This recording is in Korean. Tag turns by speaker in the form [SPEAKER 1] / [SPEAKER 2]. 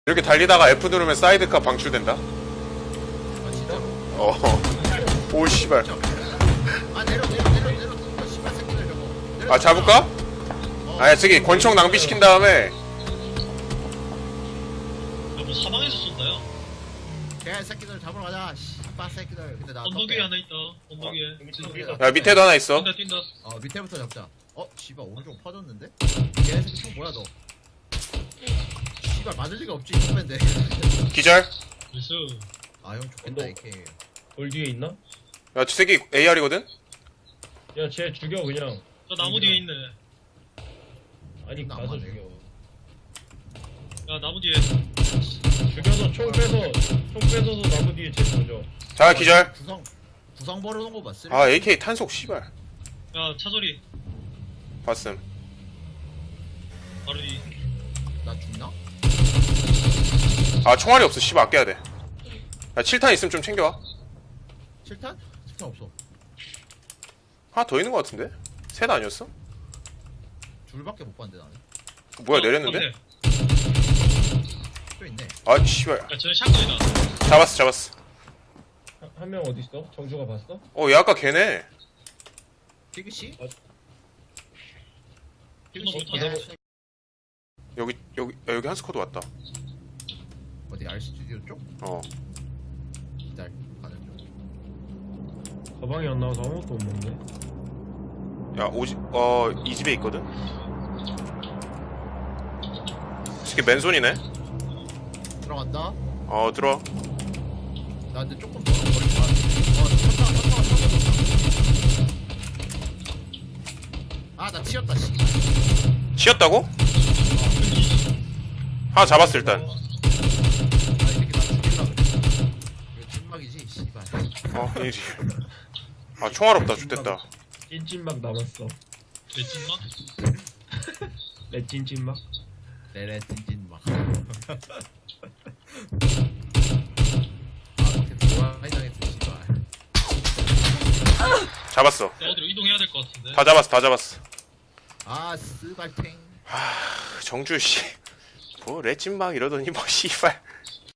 [SPEAKER 1] 이렇게 달리다가 F 누르면 사이드카 방출된다?
[SPEAKER 2] 아 진짜로?
[SPEAKER 1] 오 씨발.
[SPEAKER 2] 아 내려 씨발 새끼들 저거 내려.
[SPEAKER 1] 아 잡을까? 아야 저기 권총 낭비시킨 다음에
[SPEAKER 3] 야뭐 사방에서 쏜다요.
[SPEAKER 2] 개 새끼들 잡으러 가자 씨발 새끼들. 근데 나
[SPEAKER 3] 언덕 위에 하나 있다. 언덕 위에.
[SPEAKER 1] 야 밑에도 하나 있어.
[SPEAKER 3] 뛴다.
[SPEAKER 2] 밑에부터 잡자. 씨발 오른쪽 퍼졌는데? 개 새끼 총 뭐야 너? 씨발 맞을 리가 없지 선배인데.
[SPEAKER 1] 기절.
[SPEAKER 3] 그래서
[SPEAKER 2] 아형 좋겠다 AK.
[SPEAKER 4] 돌 뒤에 있나?
[SPEAKER 1] 야 저 새끼 AR이거든?
[SPEAKER 4] 야, 쟤 죽여 그냥.
[SPEAKER 3] 저 나무 뒤에 있네.
[SPEAKER 4] 아니
[SPEAKER 2] 나
[SPEAKER 4] 가서
[SPEAKER 2] 안
[SPEAKER 4] 죽여.
[SPEAKER 3] 야 나무 뒤에.
[SPEAKER 4] 죽여서 총 뺏어서 나무 뒤에 쟤 던져.
[SPEAKER 1] 자 기절.
[SPEAKER 2] 구상 버려놓은 거 봤어?
[SPEAKER 1] 아 AK 탄속 씨발.
[SPEAKER 3] 야 차소리.
[SPEAKER 1] 봤음.
[SPEAKER 3] 바로 뒤.
[SPEAKER 2] 나 죽나?
[SPEAKER 1] 아 총알이 없어 씨발 아껴야 돼. 야 7탄 있으면 좀 챙겨와.
[SPEAKER 2] 7탄? 7탄 없어.
[SPEAKER 1] 하나 더 있는 거 같은데? 셋 아니었어?
[SPEAKER 2] 둘밖에 못 봤는데 나는.
[SPEAKER 1] 뭐야 내렸는데?
[SPEAKER 2] 또 있네.
[SPEAKER 1] 아 씨발.
[SPEAKER 3] 야 저는 샷건이다.
[SPEAKER 1] 잡았어.
[SPEAKER 4] 한 명 어디 있어? 정주가 봤어?
[SPEAKER 1] 얘 아까 걔네.
[SPEAKER 2] 피그씨?
[SPEAKER 4] 어.
[SPEAKER 2] 피그씨?
[SPEAKER 3] 못하네.
[SPEAKER 1] 여기 한 스쿼드 왔다.
[SPEAKER 2] 어디 R 스튜디오 쪽? 기다려 가는 중.
[SPEAKER 4] 가방이 안 나와서 아무것도 없는데.
[SPEAKER 1] 야 이 집에 있거든? 이게 맨손이네?
[SPEAKER 2] 들어간다.
[SPEAKER 1] 들어와.
[SPEAKER 2] 나 근데 조금 멀어 거리 봐. 아나 치였다 씨.
[SPEAKER 1] 치였다고? 하나 잡았어 일단.
[SPEAKER 2] 아 이 새끼 나 죽일라 그래. 이거 찐막이지 씨발.
[SPEAKER 1] 이지. 아 총알 없다 죽됐다.
[SPEAKER 4] 찐찐막 남았어.
[SPEAKER 3] 내 찐막?
[SPEAKER 4] 내 찐찐막.
[SPEAKER 2] 레레 찐찐막. 아 이렇게 좋아하이 당했어 씨발.
[SPEAKER 1] 잡았어.
[SPEAKER 3] 야 어디로 이동해야 될 것 같은데.
[SPEAKER 1] 다 잡았어.
[SPEAKER 2] 아 스발팽.
[SPEAKER 1] 정주 씨. 뭐 레찐막 이러더니 뭐 씨발.